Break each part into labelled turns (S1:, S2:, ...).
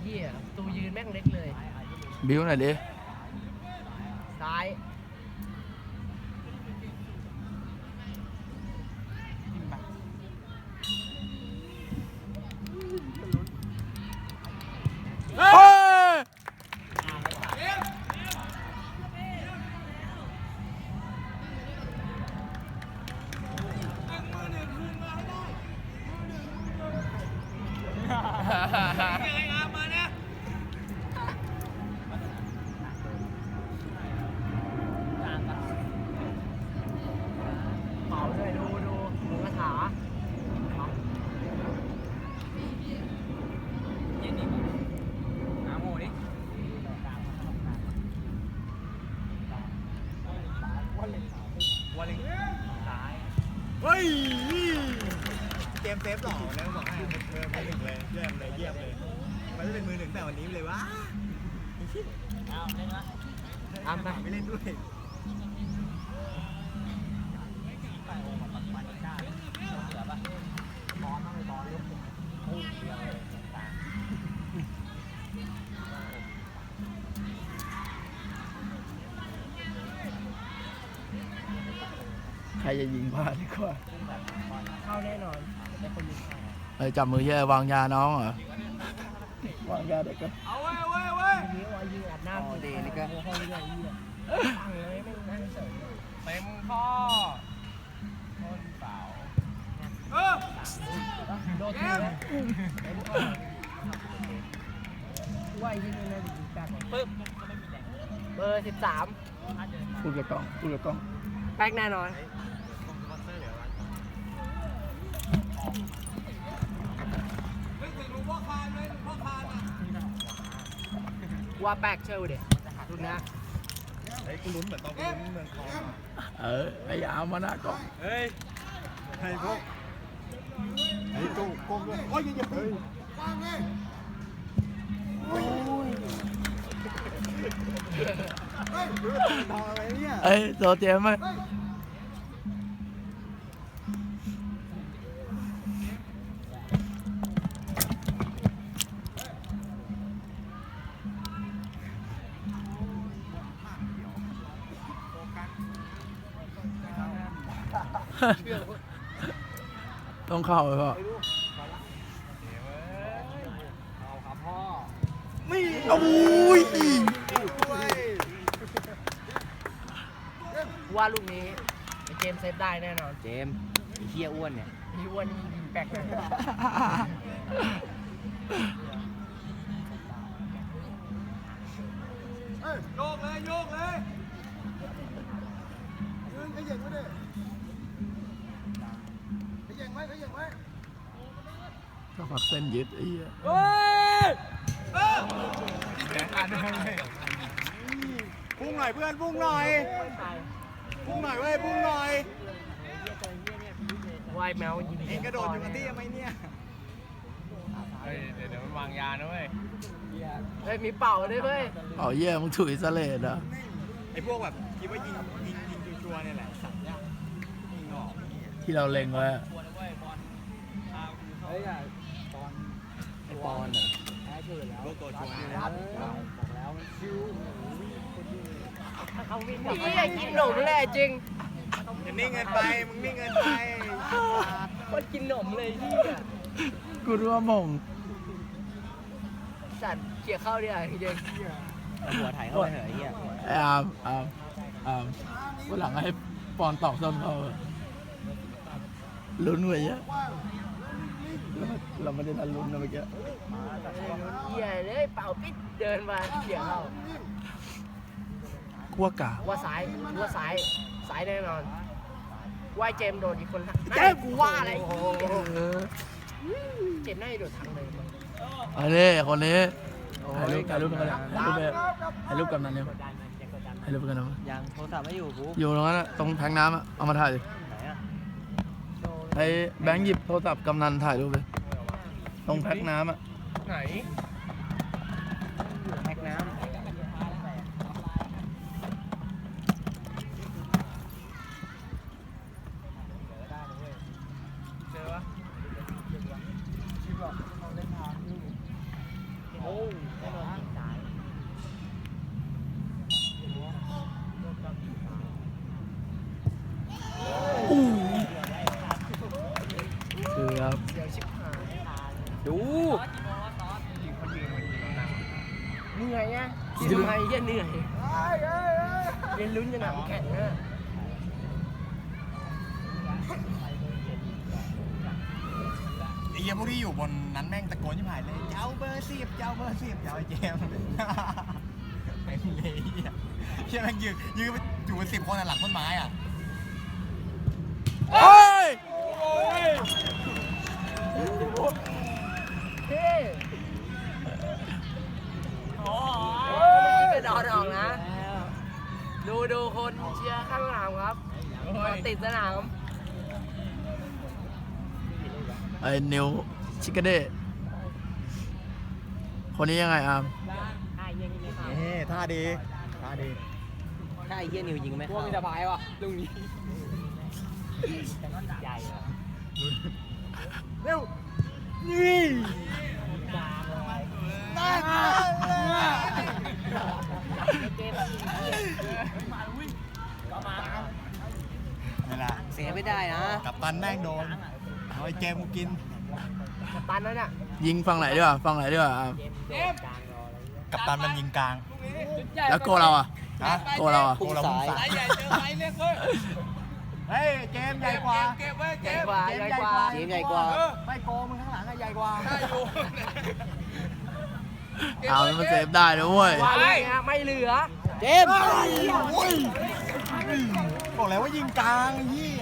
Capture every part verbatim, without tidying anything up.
S1: หี้ยตูยืนแม่งเล็กเลย
S2: บิ้วหน่อยดิ
S1: ซ้ายเผาด้วยดูดูดูกระถาเย็นดิหาโมดิวันเล็งตาย
S3: เฮ้ยเกมเซฟหล่อนะบอกให้เบอร์มือหนึ่งเลยเยี่ยมเลยเยี่ยมเลยมันจะเป็นมือหนึ่งแต่วันนี้เลยวะเอาเล่นวะทำไปไม่เล่นด้วย
S2: ใครจะยิงพลาดดีกว่า
S1: เข้าแน่นอนแต่คนยิงเข้า
S2: เฮ้ยจับมือแย่วางยาน้องเหรอวางยาเด็กก็
S3: เอาไว้เอาไว้เอาไว้
S1: ยิงว่ายิงอัดหน้าเดนี่ก็ห้องเรื่อยๆตั้งเลยไม่นั่งเฉย
S3: เต็มข้อต้นเสาเออ
S1: โดนทีแล้วเต็มข้อว่ายิงในยิงแปดปึ๊บเบอร์สิบสาม
S2: พูดกับกล้องพูดกับกล้อง
S1: แป๊กแน่นอนว่าแป๊กเชื่อเดี๋ยวรุ่นนะ
S3: เฮ้ยกูลุ้นเหมือนตอนกูลุ้นเมืองทอง
S2: เออไอ้ยามาหน้ากล้อง
S3: เฮ้ยไอ้พวกไอ้ตู้โกงด้วยโอ้ยอย่าเฮ้ยว่างเลยโอ้ยเฮ้ยรู้ว่าทองอะไรเนี่ย
S2: เอ้ยโซเจมไหมต้องเข้าไปพ่อ
S3: เอาครับพ่อ
S2: นี่โอ้ย
S1: ว่าลูกนี้เจมเซฟได้แน่นอน
S3: เจมไอ้เหี้ยอ้วนเนี่ย
S1: ไอ้อ้วนยิงแปลกเลย
S3: โยกเลยโยกเลยยืนขยันไว้ดิขยันไว้ขยันไว้
S2: ก็ฝักเส้นยึดไอ้เหี้ย
S3: เฮ้ยเออพุ่งหน่อยเพื่อนพุ่งหน่อยพุ่งหน่อยเว้ยพุ่งหน่อยว
S1: ายแมวยิง
S3: เองกระโดดอยู่กับที่ทำไมเนี่ยเฮ้ยเดี๋ยวเดี๋ยวมันวางยานะเว้ย
S1: เฮ้ยมีเป่าด้วยเว้ย
S2: เป่าเยี่ยมึงถุยสเลดอ่ะ
S3: ไอ้พวกแบบคิดว่ายิงยิงยิงชัวร์เนี่ยแหละสัตว์ยากยิงออก
S2: ที่เราเล็งไว้
S3: เฮ้ยตอนไอ้ปอนอ่ะแพ้ชื่อแล้วโลโก้ชัวร์เนี่ยบอกแล้วมันชิว
S1: เขาวิ่งนี่ไอ้กินหนมแหละจริง
S3: มึงนิ่งเงินไปมึงนิ่งเงินไป
S1: คนกินหนมเลยที่
S2: กูรู้ว่ามง
S1: สัตว์เขี่ยเข้าดิอ่ะจริง
S3: หัวถ่ายเข้าไปเหรอไอ้เหี้ย
S2: ไอ้อามอามอามวันหลังให้ปอนตอกซ้ำเขาลุ้นไว้เยอะเราไม่ได้ทันลุ้นนะเมื่อกี้
S1: เหี้ยเลยเป่าปิดเดินมาเขี่ยเข้า
S2: ขั้วกา
S1: ว่าซ้ายว่าซ้ายซ้ายแน่นอนว่าเจมโดนอีกคนละเจมกูว่าอะไรเจมน่าจะโดนทางเลย
S2: อันนี้คนนี้ถ่ายรูปถ่ายรูปกันเลยถ่ายรูปแบบถ่ายรูปกับนั้นเนี่ยถ่ายรูปกันนะ
S3: ยังโทรศัพท์ไม่อยู่กู
S2: อยู่ตรงนั้นตรงแทงน้ำอ่ะเอามาถ่ายดิ
S3: ไหนอ่ะ
S2: ไอ้แบงค์หยิบโทรศัพท์กำนันถ่ายรูปเลยตรงแพ็คน้ำอ่ะ
S1: ไหน
S3: แพ็คน้ำโอ้
S1: เหนื่อยไงกินทำไมเหี้ยเหนื่อยเรียนลุ้นจะหนักแข็งนะ
S3: ไอ้เหี้ยพวกที่อยู่บนนั้นแม่งตะโกนชิบหายเลยเจ้าเบอร์สิบเจ้าเบอร์สิบเจ้าไอ้เจมส์ไม่เลยเหี้ยเหี้ยแม่งยืนยืนไปอยู่เป็นสิบคนอะหลังต้นไม้อ่ะ
S2: โอ้ย
S1: เฮ้ยโอ้ยกระดอนออกนะ ดูดูคนเชียร์ข้างสนามครับติดสนาม
S2: ไอ้นิวชิคกเด้คนนี้ยังไงอาม
S3: เฮ้ท่าดีท่าดี
S1: ถ้าไอ้เหี้ยนิวยิงไม่เข้าพวกมีสบายวะลุงนี้ใหญ่เร็วนี่
S3: นี่แหละ
S1: เสียไม่ได้นะ
S3: กับตันแม่งโดนเอาไอ้เจมส์กูกิน
S1: ตันแล้วเนี่ย
S2: ยิงฝั่งไหนดีกว่าฝั่งไหนดีกว่าอาม
S3: กับตันมันยิงกลาง
S2: แล้วโกเราอ่ะ
S3: ฮะ
S2: โกเราอ่ะ
S3: โกเราพุ่งสายเฮ้ยเจมส์ใหญ่กว่า
S1: ใหญ่กว่าใหญ่กว่าทีมใหญ่กว่า
S3: ไม่โกมึงข้างหลังอะใหญ่กว่า
S2: เอามันเซฟได้นะเว้ย
S1: ว่าเลยนะไม่เหลือเจม
S3: บอกแล้วว่ายิงกลางไอ้เหี้ย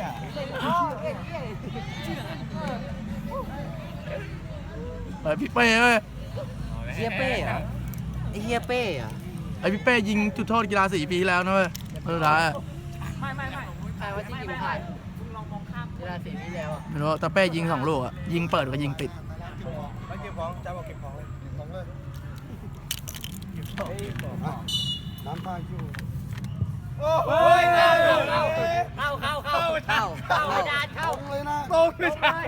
S2: ไอ้พี่เป้เว้ย
S1: เฮียเป้เหรอไอเฮียเป้เหรอ
S2: ไอ้พี่เป้ยิงจุดโทษกีฬาสี่ปีที่แล้วนะเว้ยสุดท้ายอะ
S1: ใครว่าที่ยิงผ่านเวลาสี่ปีแล้วอ่ะ
S2: ไม่รู้แต่เป้ยิงสองลูกอ่ะยิงเปิดกับยิงปิด
S3: ไปเก็บของจ้าบอกเก็บของเลยของเลยน้ำปลาคิวโอ้ยเข้าเข้าเข้าเข้าเข้าเข้าเข้าดานเข้าเลยนะตรงไม่ใช่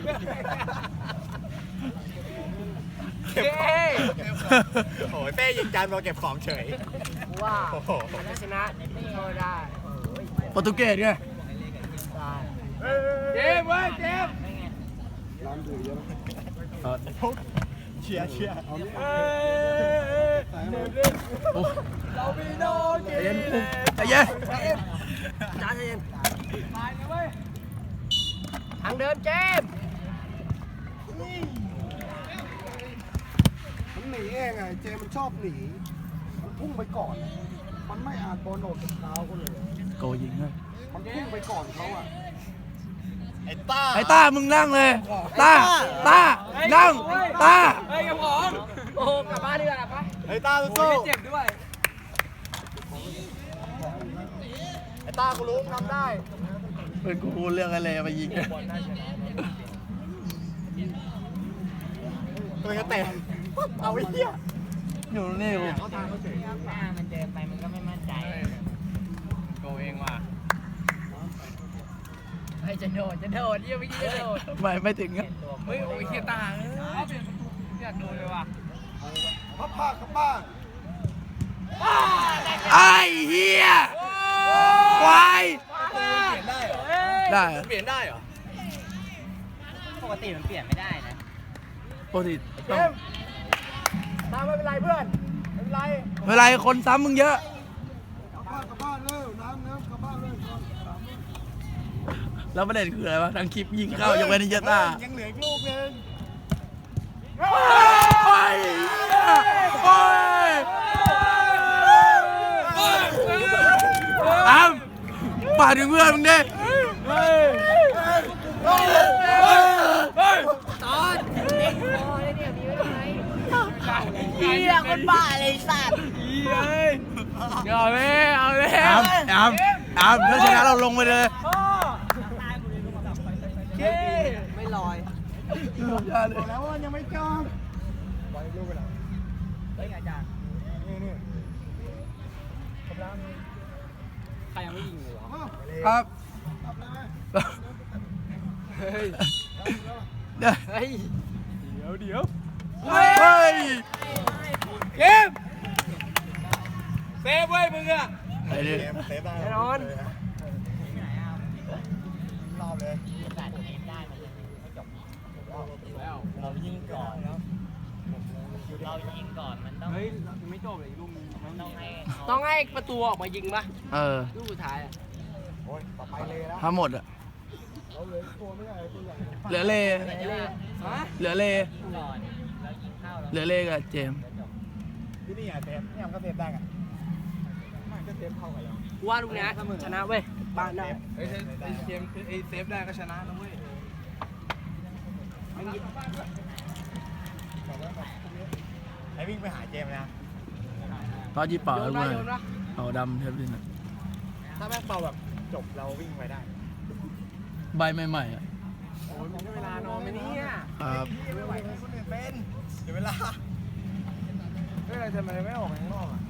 S3: เก็บของโอ้ยเป้ยิงจานมาเก็บของเฉย
S1: ว่าถ้าชนะโทษได้
S2: โปรตุเกสไง
S1: เจมเว้ยเจม
S3: เชียร์เชียร์
S2: โอ้ใจเย็นใจเย็น
S1: จ้าเจมทางเดินเจม
S4: มันหนีเองไงเจมันชอบหนี มันพุ่งไปก่อน มันไม่อ่านบอลออกจากเท้าเขาเลย
S2: โกยิงเลย
S4: มันพุ่งไปก่อนเขาอ่ะ
S3: ไอ้ต้า
S2: ไอ้ต้ามึงนั่งเลยต้าต้านั่งต้า
S1: โอ้กลับบ้านดีกว่าปะ
S3: ไอ้ต้าสู้เจ็บด้วยไอ้ต้ากูรู้ทำได้
S2: เป็นกูพูดเรื่องอะไรมายิง
S3: ตัวจะเตะเอาไอ้เหี้ย
S2: อยู่นี่กู
S1: หน้ามันเดินไปมันก็ไม่มั่นใจโกเองว่ะไอ้จะโดดจะโดดยี่ไม่กี่จะโดด
S2: ไม่ไม่ถึงอะ
S1: เฮ้ยโอ้ยเฮียตาเอ้ยอยากโดนเลยว่ะ
S4: พับผ้ากลับบ้าน
S2: ไอ้เหี้ยควาย
S3: เปลี่ยนได้เหรอ
S2: ได้เหรอ
S3: เปลี่ยนได้เหรอ
S1: ปกติมันเปลี่ยนไม่ได้นะ
S2: ปกติ
S3: เจมตามไม่เป็นไรเพื่อนไม่เป็นไร
S2: เวลาคนซ้ำมึงเยอะ
S4: กลับบ้านกลับบ้านเร็วน้ำน้ำกลับบ้านเร็วก่อนสาม
S2: แล้วประเด็นคืออะไรวะทางคลิปยิงเข้ายกเว้นนิเจต้า
S3: ยังเหลืออีกลูกนึง
S2: โอ้ยโอ้ยอ้ำป่าถึงเพื่อนมึงดิ
S1: ตอนเด็กพอเลยเนี่ยมีไว้ทำไมเฮียคนบ้าเลยสัตว์
S2: เอาเลยเอาเลยอ้ำอ้ำอ้ำถ้าชนะเราลงไปเลย
S1: ไม่ลอย
S4: บอกแล้วว่ายังไม่จอง
S3: บอลลูกไปไหน
S1: เฮ้ยอาจารย์
S3: นี่นี่
S1: ใครยังไม่ยิงเลยวะ
S2: ครับ
S4: กลับเลยไหม
S1: เฮ้ย
S2: เดี๋ยว
S1: เฮ้ย
S3: เดี๋ยวเดี๋ยว
S2: เฮ้ย
S3: เกมเซฟไว้มึงอะ
S2: ไอ้นี่
S3: เกมเซฟได้
S1: แน่นอน
S3: รอบเลย
S1: เรายิงก่อนแล้ว
S5: ยิงก่อนมันต้อง
S3: เฮ้ยไม่จบเลยลูก
S5: มันต้องให้เขา
S1: ต้องให้ประตูออกมายิงปะ
S2: เออ
S1: ลูกสุดท้ายอะ
S4: โอ้ยต่อไปเลยแล้ว
S2: ถ้าหมดอะ
S4: เราเหลือตัวไม่ใหญ่ตัวใหญ่
S2: เหลือเล เหลือเล
S5: ก่อนแล้วยิงเข้าแล้ว
S2: เหลือเลกับเจมส์
S3: ที่นี่อ่ะเซฟนี่มันก็เซฟได้กันมันก็เซฟเท่ากันแล้ว
S1: กูว่าลูกเนี้ยชนะเว้ยบ้านได้
S3: เฮ้ยไอ้เกมไอ้เซฟได้ก็ชนะนะเว้ยไอ้วิ่งไปหาเจมนะ
S2: ตอนยี่เป่า
S1: โย
S2: แล้ว
S1: น
S2: กู
S1: มา
S2: เล
S1: โย
S2: ย
S1: นมา
S2: เป่าดำเทปลินอะ
S3: ถ้าแม่งเป่าแบบจบเราวิ่งไปได้
S2: ใบใหม่ๆอะ
S3: โอ้ยมันก็เวลานอนไหมเนี่ย
S2: ครับ
S3: ไม่ไหวเลยคนอื่นเป็นเดี๋ยวเวลาเฮ้ยอะไรทำไมไม่ออกข้างนอกอ่ะ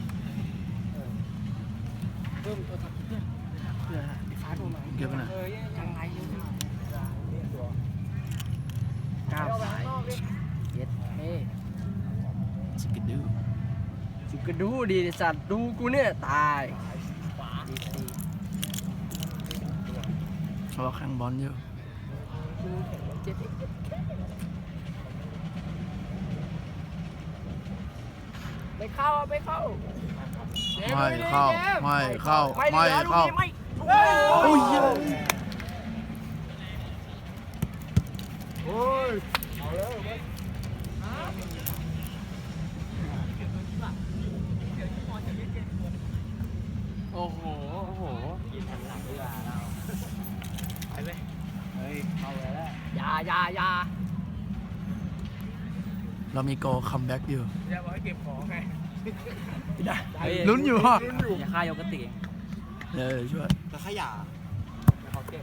S1: เพิ่มตัวสักเพื่อนเพื่อไอ้ฟ้าโทรมา
S2: เก็บไปไหน
S3: เออยัง
S1: ยังไงยัง
S3: ตัว
S1: ก้าวสายเย็ดเฮ้
S2: สกิดดู
S1: จุกกระดูดีสัตว์ดูกูเนี่ยตายดีซี
S2: เพราะว่าแข่งบอลอยู่
S1: กูแข่งเจ็ดไม่เข้าไม่เข้า
S2: ไม่เข้า ไม่เข้า
S1: ไม่
S2: ไม่
S1: เหลือลูก
S2: เข้า
S1: นี้ไม่
S2: โอ้ยเหี้ย
S3: โอ้ยเอาแล้ว
S1: โอ้โหโอ้โห
S5: ยิงทันหลังเวลาเรา
S3: ไปเลยเฮ้ยเอาเลยแล้ว
S1: อยาอยาอยา
S2: เรามีโกคัมแบ็กอยู่
S3: อย่าบอกให้เก็บของไง
S2: ลุ้นอยู่ฮะ
S5: อย่าฆ่ายกติ
S2: เดี๋ยวช่วย
S3: จะขยะเขาเก็บ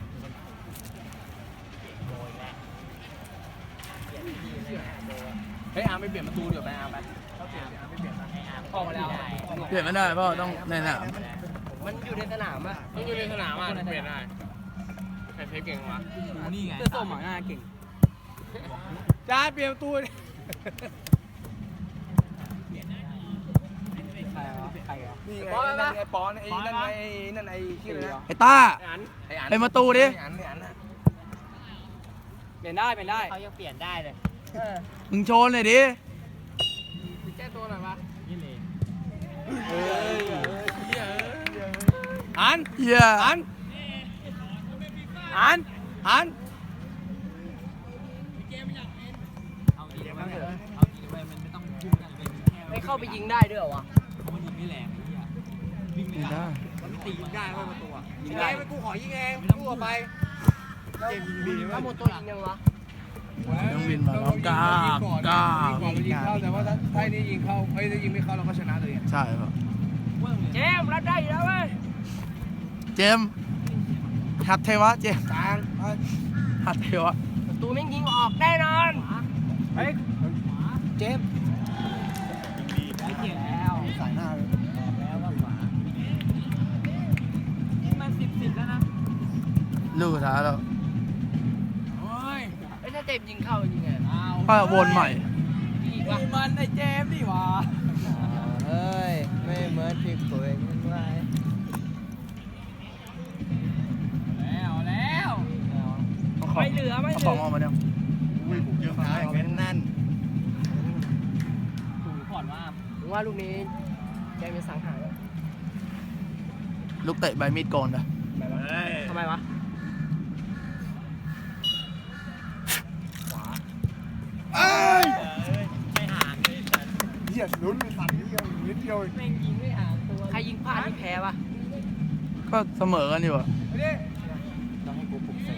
S5: โดยแล้วเปลี่ยนที่เลยโดย
S3: เฮ้ยอาร์มไปเปลี่ยนประตูเดี๋ยวไปอาร์มไปเขาเปลี่ยนอาร์มไม่เปลี่ยนนะ
S5: ให้อาร์ม
S1: ออกมาแล้ว
S5: ได้
S2: เปลี่ยนไม่ได้เพราะต้องในสนาม
S1: มันอยู่ในสนามอะ
S3: มันอยู่ในสนามอ่ะเปลี่ยนได้ใครเทปเก่งวะ
S5: นี่ไง
S1: เสื้อส้มหมาหน้าเก่ง
S3: จ้าเปลี่ยนประตู
S1: ใครวะใครวะ
S3: นี่ไงนั่นไงปอนไอ้นั่นไงนั่นไอ้ชื่ออะไรนะ
S2: ไอ้ต้า
S1: อัน
S3: ไอ้อัน
S2: เป็นประตูดิ
S3: ไอ้อันไอ้อันน่ะ
S1: เปลี่ยนได้เปลี่ยนได้
S5: เขายังเปลี่ยนได้เลย
S2: มึงโชว์หน่อยดิ
S1: แก้ตัวหน่อยวะ
S5: นี่เลย
S3: เฮ้ยอัน
S2: เหี้ย
S3: อันอันอัน
S5: เอาจริงเถอะเอาจริงเลยมันไม่ต้องพุ่งกันเป็นแค่
S1: ไม่เข้าไปยิงได้ด้วยเหรอวะ
S5: เขามันยิงไม่แรงไอ้เหี้ยวิ่งไม่
S2: ไม่
S5: ได้
S2: ได้
S3: มันตียิงได้ไม่ประตูอ่ะ
S1: ยิ
S3: ยิ
S1: ง
S3: ง
S1: ได้
S3: ได้กูขอยิงเองกูออกไปเกมยิงดี
S1: ถ้าหมดตัวยิงยังวะ
S2: ต้องบินมาแล้วกล้ากล้า
S3: ก่อนมันยิงเข้าแต่ว่าถ้าถ้านี่ยิงเข้าเฮ้ยถ้ายิงไม่เข้าเราก็ชนะเลย
S2: ใช่ป่ะ
S1: เจมส์รับได้อยู่แล้วเว้ย
S2: เจมส์หัดเทวะเจมส์
S3: กลาง
S2: หัดเทวะ
S1: ประตูแม่งยิงออกแน่นอน
S3: เฮ้ยเจมส์
S5: ไม่เกี่ยวแล้ว
S3: สายหน้าเลย
S5: แล้วก็ขวามันสิบสิบแล้วนะ
S2: ลูกสุดท้ายแล้ว
S3: โอ้ย
S1: ไอ้ยถ้าเจมส์ยิงเข้ายิงไง
S2: ก็วนใหม่
S1: อีกวะ
S3: มันไอ้เจมส์ดิวะเฮ้ยไม่เหมือนที่ตัวเองมันไว้
S5: แล้วแล้ว
S1: ไม่เหลือไม่
S2: เอา
S1: เห
S2: ข
S1: ลื
S2: อง
S1: อ
S2: ออกมาเนี่ย
S3: อุ้ยผมเยอะนะอย่างนั้นนั่น
S5: ถูก่อนว่า
S1: ผมว่าลูกนี้เจมส์จะสังหารแล้ว
S2: ลูกเตะใบมีดโกนนะ
S1: ทำไมวะ
S3: เอ้ย
S5: ไม่ห่างเลยแต่
S4: เหยียดลุ้นไปสั่นนิดเดียวนิดเดียว
S5: แม่งยิงไม่ห่างตัว
S1: ใครยิงพลาดนี่แพ้ปะ
S2: ก็เสมอกันอยู่อะ
S5: ต้องให้กูปลุกเสก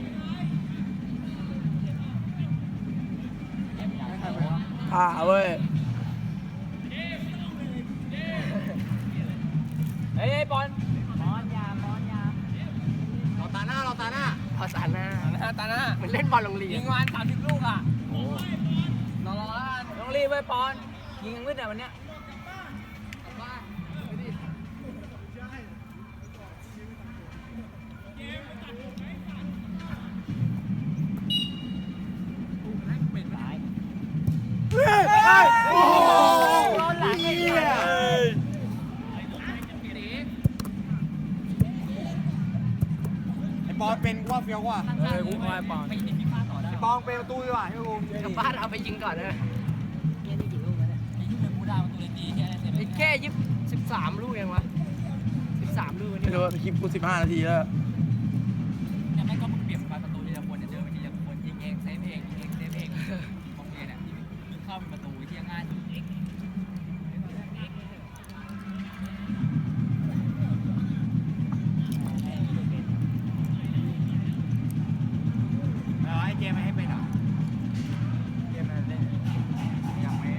S2: ท่าเว้ย
S1: เฮ้ยบอล
S5: บอลยาบอลยา
S3: เราตาหน้าเราตาหน้า
S1: พอสานหน้า
S3: ตาหน้า
S1: เหมือนเล่นบอลโรงเรียน
S3: ยิงวันสามสิบลูกอ่ะ
S1: รอรอแล้วกัน
S3: ต้องรีบไว้ปอนยิงยังมืดแต่วันเนี้ย
S2: โอ้โห
S1: โดนหลังไอ้เหี้ย
S3: ไอ้ปอนเป็นว่าเฟี้ยวกว่า
S5: เออกูคอยปอนไปยิงที่ฟ้าต่อได้
S3: ไอ้ปอนเป็นประตูดีกว่าใช่ไหมกู
S1: กลับบ้านเอาไปยิงก่อนเลย
S5: เนี่ยนี่กี่ลูกแล้วเนี่ย
S2: ย
S1: สามลูกยังวะสิบสามลูก
S2: ไม่
S1: นี่
S2: รู้ว่าคลิปกูสิบห้านาทีแล้ว
S5: เนี่ยแม่งก็มึงเปลี่ยนประตูทีละคนเนี่ยเดินไปทีละคนยิงเองเซฟเองยิงเองเซฟเองมองเองเนี่ยยิงเข้าเป็นประตูที่ง่ายสุด
S3: เอาไอ้เจมไม่ให้เป็นเหรอเจมมันเล่นยังไม่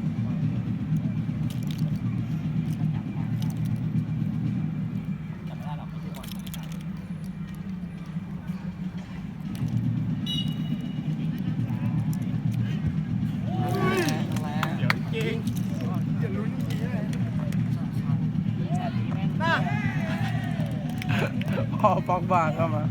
S5: จับไม่ได้หรอกไม่ใช่บอลไม่ใช่
S3: เดี๋ยวจริงอย่าลุ้นจริงเลยน่า
S2: พอปอกบาเข้ามา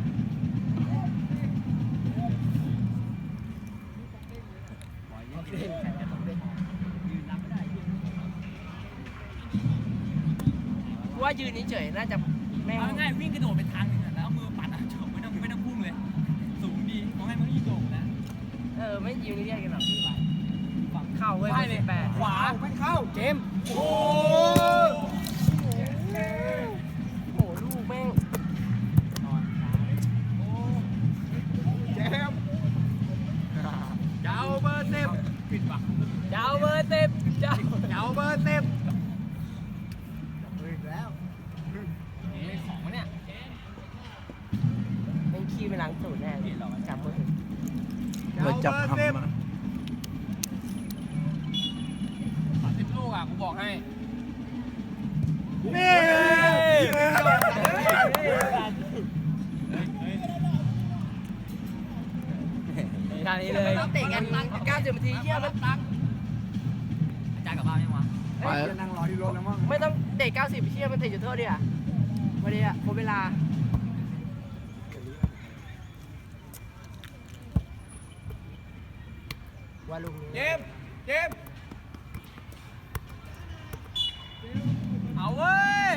S1: ว่ายืนเฉยๆน่าจะไม่
S5: เอาง่ายวิ่งกระโดดไปทางนึงแล้วเอามือปัดอ่ะจบไม่ต้องไม่ต้องพุ่งเลยสูงดีเขาให้มึงยิงโด่งนะ
S1: เออไม่ยืนเรียกกันหรอกฝั่งเข้าเว้ยสิบแปด
S5: ขวา
S3: ไม่เข้าเจมโอ้
S1: โอ้โหลูกแม่ง
S3: เจมเจ้าเบอร์สิบปิดปาก
S1: ยาวเบอร์สิบยาว
S3: เจ้าเบอร์สิบ
S5: นี่ของวะเนี่ย
S1: เป็นขี้ไปล้างตูดแน่เลยจับมือถือ
S2: เปิดจับทำมา
S5: สามสิบลูกอ่ะกูบอกให้
S3: นี่
S1: การนี้เลยเตะกันเก้าสิบนาทีเยี่ยมแล้วตั้ง
S5: อาจารย์กลับบ้านยังวะ
S2: ไป
S4: จะนั่งรอที่รถแล้วมั้ง
S1: ไม่ต้องเตะเก้าสิบเชี่ยมันเตะจุดโทษดิอ่ะวันนี้อ่ะหมดเวลาว่าลูกนี้
S3: เจมเจม
S5: เอาเว้ย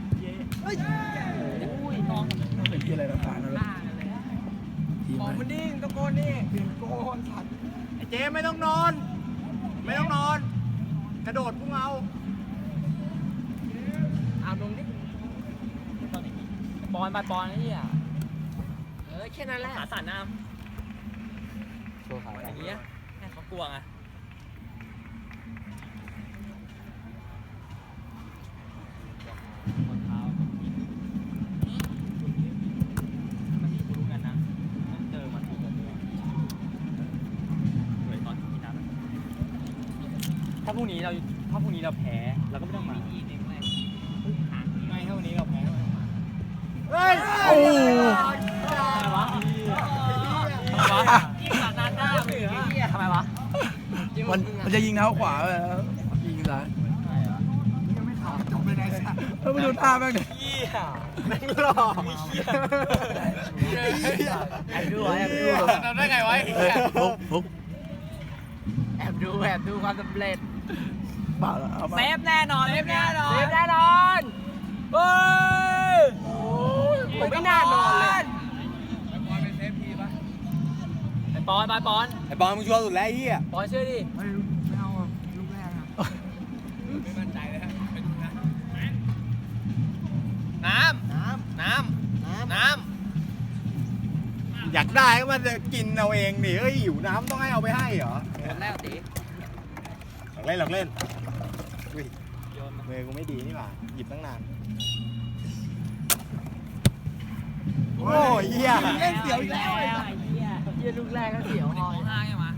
S2: เป็นที่อะไรต่างๆนั่นแหละทีม
S3: บอก
S2: ไห
S3: มัน
S2: น
S3: ดิ้งตะโกนนี่เปลี่ยนโกนสัตว์ไอ้เจมไม่ต้องนอน ไม่ต้องนอน กระโดดพุ่งเอา
S1: อามลงดิ
S5: บอลไปบอลนี่อ่ะ
S1: เออแค่นั้นแหละ
S5: ขาสั่นน้ำอย่างเงี้ยให้เขากลัวไงคนเท้ามันมีกูรู้กันนะต้องเจอมันทุกคนเลยตอนที่นัดถ้าพรุ่งนี้เราถ้าพรุ่งนี้เราแพ้เราก็ไม่ต้องมาไม่ถ้าวันนี้เราแพ้เราไม่ต้องมา
S3: เฮ้ย
S2: โอ้
S5: ทำไมวะทำไมวะยิงขาดหน้าหน้ามือทำไมวะ
S2: มันมันจะยิงเท้าขวาไปแล้วยิงซ้าย
S4: ยังไม่ถามจบเลยนายสัตว์
S2: เออไปดูท่าแม่งดิ
S5: เหี้ย
S3: แม่งหล่อ
S1: แอบดูแอบดู
S3: ทำได้ไงวะ
S2: เฮ้ยฟุกฟุก
S1: แอบดูแอบดูความสำเร็จ
S2: เปล่าแล้วเอามา
S5: เซฟแน่นอนเซฟแน่นอ
S1: เซ
S5: น
S1: ฟแน่นอนเฮ้ยผมไม่น่านอนเลย
S5: ไอ้ปอนไปปอน
S3: ไอ้บอลมึงชัวร์สุดแล้วไอ้เหี้ย
S5: ปอนเชื่อดิ
S4: ไม่ไม่เอาอ่ะลูกแรกอ่ะ
S3: ไม่มั่นใจเลยฮะไปดูนะ
S5: น้ำน้ำน้ำน้
S3: อยากได้ก็มันจะกินเอาเองดิเอ้ยหิวน้ำต้องให้เอาไปให้เหรอ
S1: คนแรกตี
S3: หลักเล่นหลักเล่นอุ้ยมือกูไม่ดีนี่หว่าหยิบตั้งนานโอ้ยเหี้ย
S5: ำเล่นเสียวอีกแล้วไอ้เหี้ย
S1: เยี่ยลูกแรกก็เสียว
S5: คน
S1: ห
S5: นี้
S1: อย
S5: มองห้าไงวะ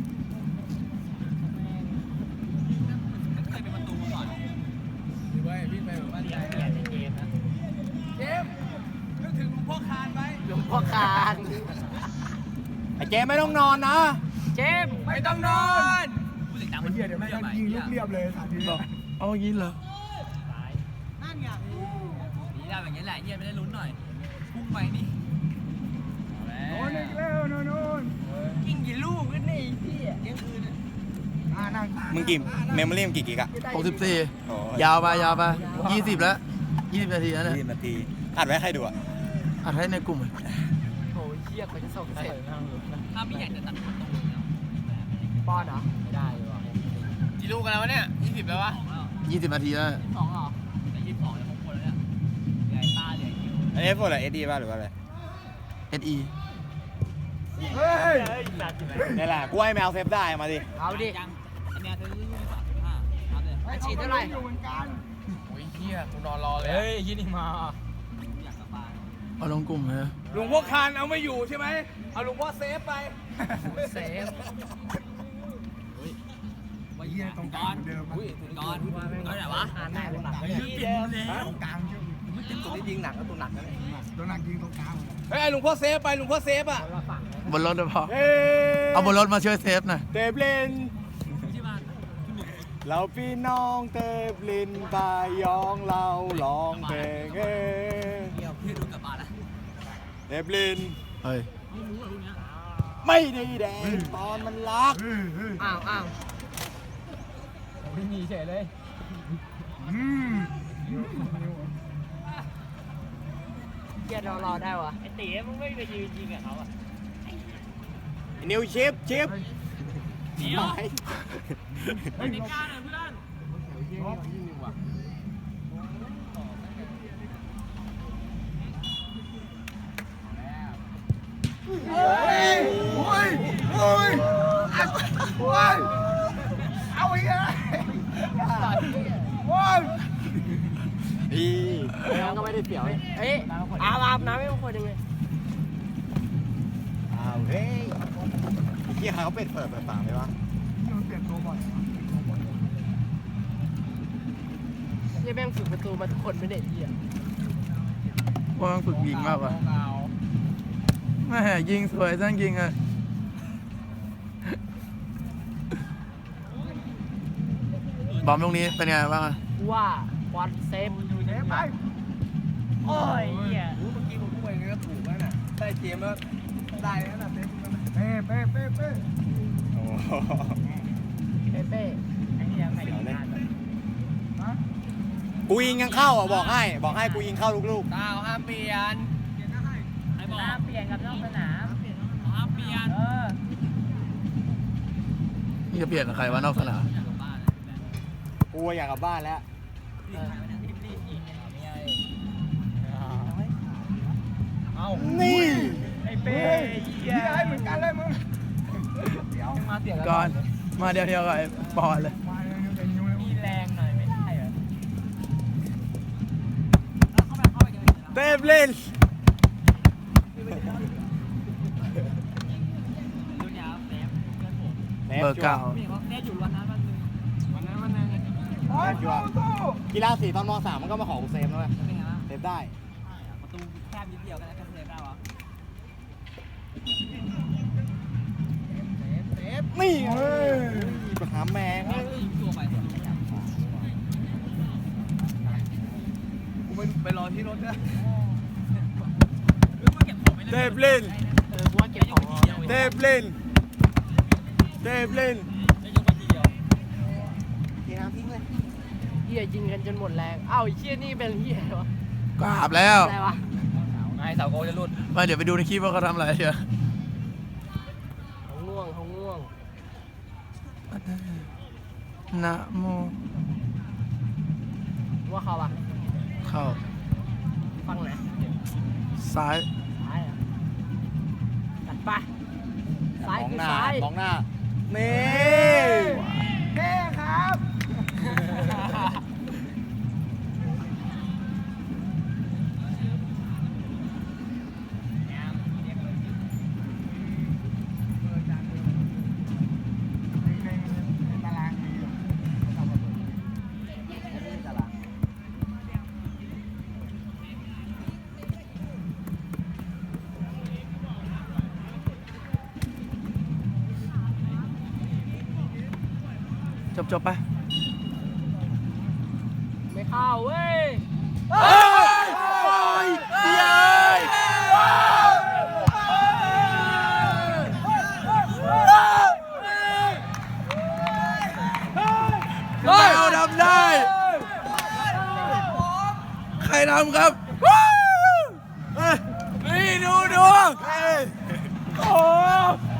S5: เคยเป็นประตูมาก่อนดีเว้ยพี่ไปแบบว่าเรียนเรียนในเกมนะ
S3: เจมนึกถึงหลวงพ่อคานไว้
S1: หลวงพ่อคาน
S3: ไอ้เจมไม่ต้องนอนนะ
S1: เจมส์
S3: ไม่ต้องนอน
S5: กูเสียงดัง
S4: ไอ้
S5: มัน
S4: เหี้ยเดี๋ยวแม่งก็ยิงลูกเรียบเลยสามที
S2: บอกเอายิงเหรอ
S5: นี่ได้แบบนี้แหละเหี้ยไม่ได้ลุ้นหน่อยพุ่งไปนี่
S4: โน่นอีกแล้วโน่นโน่น
S1: ยิงกี่ลูกกันนี่พี่เที่ยงคืน
S4: อ่านั่ง
S3: มึงกี่เมมโมรี่มึงกี่กิกอะ
S2: หกสิบสี่ยาวไปยาวไปยี่สิบแล้วยี่สิบนาทีแล้วเนี่ย
S3: ยี่สิบนาทีอัดไว้ให้ใครดูอะ
S2: อัดให้ในกลุ่ม
S1: โอ้ยเชี่ยเขาจะส่งเสร็จ
S5: ถ้าไม่อยากจะตัดประตูแล้ว
S1: ป้อนเหรอไม่ได้ว่ะ
S5: กี่ลูกกันแล้ววะเนี่ยยี่สิบแล้ววะ
S2: ยี่สิบนาทีแล้ว
S1: สองเหรอ
S3: อันนี้พวกอะไรเอสดีป่ะหรือว่าอะไร
S2: เอสอี
S4: เฮ้ย
S3: นี่แหละกูให้แมวเซฟได้มาดิ
S1: เอาดิอันฉีดเท่าไหร่
S4: อยู่เหมือนกัน
S2: โอ้ยเฮียกูนอนรอเลย
S5: เฮ้ยยี่นี่มา
S2: เอาลงกลุ่มเลย
S3: หลวงพ่อคานเอาไม่อยู่ใช่ไหมเอาหลวงพ่อเซฟไป
S1: เซฟ
S4: เฮียตรงกลางเดิมอุ้ย
S1: ก่อนก่อนไหนวะหาแม่กูหนัก
S4: เปลี่ยนแล้วตรงกลางเยอะ
S3: ตัวนี้ยิงหนักก็ตัวหนักนะ
S4: ตัวหนักยิงตรงกลาง
S3: เฮ้ยหลวงพ่อเซฟไปหลวงพ่อเซฟอ่ะ
S2: บนรถเดี๋ยวพอ
S3: เฮ้
S2: เอาบนรถมาช่วยเซฟหน่อย
S3: เตบลินเราพี่น้องเตบลินปายองเราร้องเพลงเฮ้
S1: เดี๋ยวพี่ดูกลับบ้านแล้ว
S3: เตบลิน
S2: เฮ้ย
S3: ไม่ได้แดงตอนมันรัก
S1: อ้าวอ้าว
S5: ไม่มีเฉยเลย
S4: อืม
S1: เกียร์รอรอได้วะ
S5: ไอ้ตีมึงไม่ไปยืนยิงกับเขาอ่ะ
S3: นิวชิปชิป
S5: เดี๋ยว
S3: ไป
S5: เฮ้ยนิก้าหน่อยเพื่อน
S4: โอ้ยโอ้ยโอ้ยโอ้ยเอาอีกแล้วโอ้ย
S3: พี่
S1: แล้วก็ไม่ได้เสียวเอ้ยอาบอาบน้ำไม่ต้องคนยังไง
S3: อ้าวเฮ้ยไอ้เหี้ยเขาเป็ดเปิดเปิดปากไหมวะ
S4: มันเปลี่ยนตัวบ่อย
S1: นี่แม่งฝึกประตูมาทุกคนไม่ได้เหี้ย
S2: ว่ามันฝึกยิงมากกว่าแม่ยิงสวยจังยิงอ่ะบอมตรงนี้เป็นไงบ้างอ่ะ
S1: ว่าวันเซฟ
S4: เอ๊ะไป
S1: โอ้ยเหี้ย
S3: เมื่อกี้ผมพูดไปก็ถูกแล้วน่ะได้เกมแล้วได้แล้วน่ะเซฟ
S4: เป้เป้เป้เป้
S3: โอ้โห
S1: เป้เป้
S5: ไอ้เหี้ยใครยิงได้
S3: กูยิงยังเข้าอ่ะบอกให้บอกให้กูยิงเข้าลูก
S1: ดาวห้ามเปลี่ยน
S5: ไอ้บอกห้ามเปลี่ยนกับนอกสนามห้ามเปลี่ยนเออ
S2: นี่จะเปลี่ยนกับใครวะนอกสนาม
S3: ๆกูอยากกลับบ้านแล้ว
S5: เอ้า
S3: นี่
S5: ไอ้เป้
S4: เฮียไอ้เหมือนกันเลยมึง
S5: มาเสีย
S2: ก่อนมาเดียวเดียวๆกับไอ้ปอนเลย
S4: มาเลยเดี๋ยวนิ้วเลย
S5: มีแรงหน่อยไม่ได้เหรอ
S3: เตบลิน
S5: รุ่นยาวเซฟเพื่อนผม
S2: เบอร์เก้า
S5: พี่เขาเซฟอยู่วันนั้นวันนึงวันนั้นวันนึง
S4: โอ้ยสู้สู้
S3: กีฬาสีตอนมสามมันก็มาขอกูเซฟแล้วเว้ย
S5: เป็นไงวะ
S3: เซฟได้
S5: ประตูแคบนิดเดียวกันแล้วก็เซฟได้วะ
S3: นี่เฮ้ยไปหาแมง
S5: ยิงตัวไป
S3: กูไปไปรอที่รถนะ
S5: เก็บของไป
S3: เต
S5: เลย
S3: บลิน
S1: เออกูว่าเก็บของรอ
S3: เตบลินเตบลิน
S5: จะยกไปทีเดียว
S3: เทน้ำทิ้งเลย
S1: เหี้ยยิงกันจนหมดแรงอ้าวไอ้เหี้ยนี่เป็นเหี้ยวะ
S2: กราบแล้ว
S1: อะไรวะ
S5: ไอ้เสาโกจะหลุด
S2: มาเดี๋ยวไปดูในคลิปว่าเขาทำอะไรเชียว
S1: เขาง่วงเขาง่วง
S2: นะโม
S1: ว่าเขาอะ
S2: เข้า
S1: ฟังไหน
S2: ซ้าย
S1: ซ้ายอะตัดไปซ้าย
S3: มอง
S1: คือ
S3: หน้า
S1: ซ้าย
S3: มองหน้านี่
S4: เท่ครับ ในตารางมีอยู่
S2: จบจบไป
S1: ไม่เข้าเว้ย
S2: เฮ้ยเย้ยเราทำได้ ใครทำครับนี่ดูดูโอ้